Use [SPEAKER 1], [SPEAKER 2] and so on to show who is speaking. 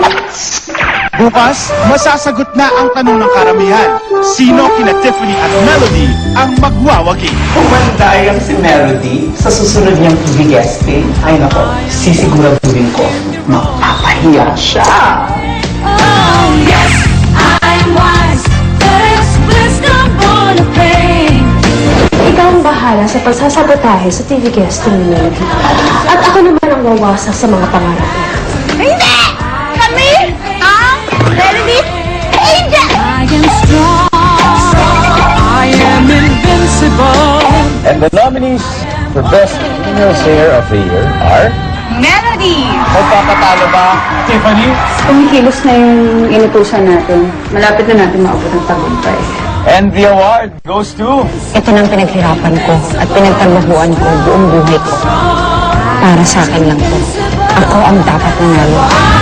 [SPEAKER 1] Bukas, masasagot na ang tanong ng karamihan. Sino kina Tiffany at Melody ang magwawagi?
[SPEAKER 2] Kung mandayang si Melody sa susunod niyang TV guesting, ay nako, sisiguraduhin ko, mapapahiya siya.
[SPEAKER 3] Oh, yes, I'm wise. There's wisdom born of pain.
[SPEAKER 4] Ikaw ang bahala sa pagsasabotahe sa TV guesting ni Melody. At ako naman ang wawasak sa mga pangarap niya.
[SPEAKER 5] Hindi! Kami ang Melody Angel!
[SPEAKER 3] I am strong. I am invincible.
[SPEAKER 6] And the nominees for Best Female Singer of the Year are...
[SPEAKER 5] Melody!
[SPEAKER 6] Magpapatalo ba, Tiffany?
[SPEAKER 4] Kumikilos na yung inutusan natin. Malapit na natin maabot ang tagumpay.
[SPEAKER 6] And the award goes to...
[SPEAKER 4] Ito nang pinaghirapan ko at pinagtrabahuan ko buong buhay ko. Para sa akin lang to. Ako ang dapat nanalo.